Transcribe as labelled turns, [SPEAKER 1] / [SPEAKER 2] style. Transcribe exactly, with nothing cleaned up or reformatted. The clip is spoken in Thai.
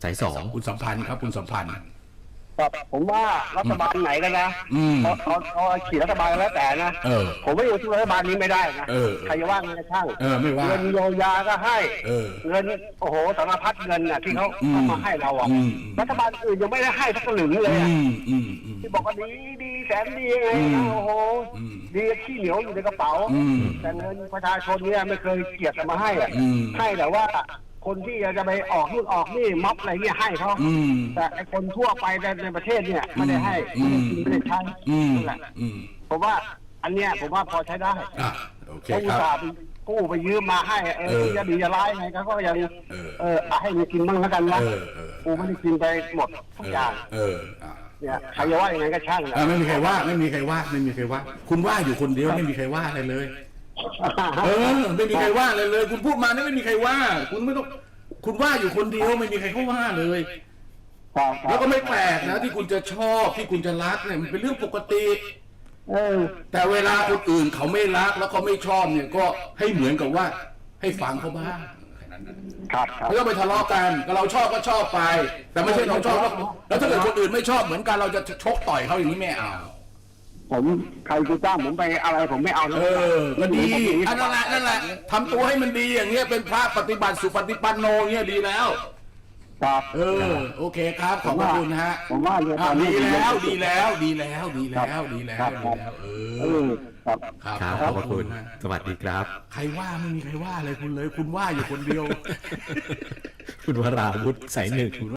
[SPEAKER 1] สายสอง
[SPEAKER 2] คุณสัมพันธ์ครับคุณสัมพันธ์
[SPEAKER 3] ครับผมว่ารัฐบาลไหนกันนะเขาเขาเขาขี่รัฐบาลแล้วแต่นะผมไม่อยู่ที่รัฐบาลนี้ไม่ได้นะใครจะว่าไงช่างเงินเยียวยาก็ให้เงินโอ้โหสารพัดเงินน่ะที่เขาเอามาให้เราอ่ะรัฐบาลอื่นยังไม่ได้ให้สักหลึงเลยที่บอกว่าดีดีแสนดีไงโอ้โหดีขี้เหนียวอยู่ในกระเป๋าแต่เงินประชาชนเนี่ยไม่เคยเกียรติมาให้อ่ะให้แต่ว่าคนที่จะไปออกนู่นออกนี่ม็อบอะไรเนี่ยให้เขาแต่ไอคนทั่วไปในประเทศเนี่ยไม่ได้ให้ไม่ได้กินไม่ได้ใช้นั่นแหละผมว่าอันเนี้ยผมว่าพอใช้ได้เขาอุตส่าห์ไปกู้ไปยืมมาให้เออจะดีจะร้ายไงก็ยังเออให้มีกินบ้างแล้วกันนะกูไม่ได้กินไปหมดทุกอย่างเนี่ยใครจะว่ายังไงก็ช่าง
[SPEAKER 2] ไม่มีใครว่าไม่มีใครว่าไม่มีใครว่าคุณว่าอยู่คนเดียวไม่มีใครว่าอะไรเลยเออไม่มีใครว่าเลยเลยคุณพูดมานี่ไม่มีใครว่าคุณไม่ต้องคุณว่าอยู่คนเดียวไม่มีใครเขาว่าเลยแล้วก็ไม่แปลกนะที่คุณจะชอบที่คุณจะรักเนี่ยมันเป็นเรื่องปกติแต่เวลาคนอื่นเขาไม่รักแล้วเขาไม่ชอบเนี่ยก็ให้เหมือนกับว่าให้ฟังเขาบ้างไม่ต้องไปทะเลาะกันก็เราชอบก็ชอบไปแต่ไม่ใช่เราชอบแล้วถ้าเกิดคนอื่นไม่ชอบเหมือนกันเราจะชกต่อยเขาอย่างนี้ไม่เอา
[SPEAKER 3] ผมใครจะจ้างผมไปอะไรผมไม่เอาเอ
[SPEAKER 2] อก็ดีอันนั่นแหละนั่นแหละทำตัวให้มันดีอย่างเงี้ยเป็นพระปฏิบัติสุปฏิปันโนเงี้ยดีแล้ว
[SPEAKER 3] ครับ
[SPEAKER 2] เออโอเคครับขอบคุณฮะ
[SPEAKER 3] ผมว่า
[SPEAKER 2] ดีแล้วดีแล้วดีแล้วดีแล้วดีแล้วดีแล้วเออ
[SPEAKER 1] ครับครับขอบคุณสวัสดีครับ
[SPEAKER 2] ใครว่าไม่มีใครว่าเลยคุณเลยคุณว่าอยู่คนเดียว
[SPEAKER 1] คุณวราวุฒิสายหนึ่ง